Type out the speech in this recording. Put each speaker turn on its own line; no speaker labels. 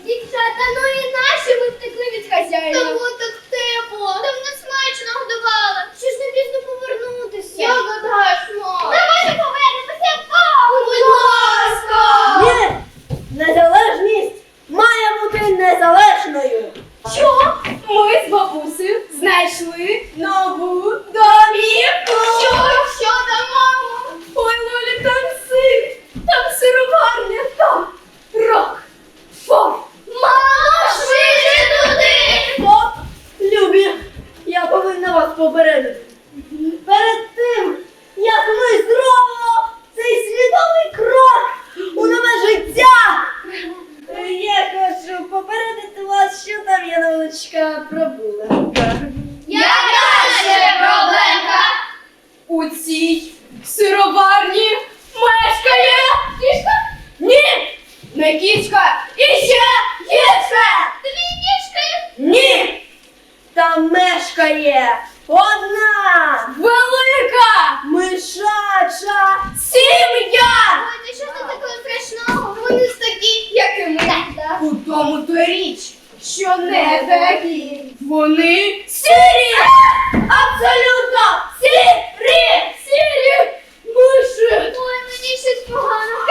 Дівчата, ну і наші ми втекли від хазяїна.
Та було так тепло. Там нас смачно годували.
Що ж не пізно повернутися?
Я гадаєш, мам.
Давайте повернемося.
Будь ласка.
Ні! Незалежність має бути незалежною.
Що? Ми з бабусею знайшли нову домівку.
Що там, мамо?
Ой, Лолі, там сир, там сироварня, там рок, фор.
Мамо, швидше туди.
Стоп! Любі, я повинна вас попередити. Перед тим, як ми зробимо цей свідомий крок у нове життя, я хочу попередити вас, що там є невеличка проблемка.
Яка ще проблемка?
У цій сироварні мешкає кішка? Ні, не кішка, і ще кішка.
Дві кішки.
Ні! Там мешкає одна
Велика
мишача
сім'я.
Ой, та що тут такого страшного? Вони ж такі, як і ми. Так.
У тому то річ, що не такі. Вони сірі! Абсолютно сірі! Сірі! Миші!
Ой, мені щось погано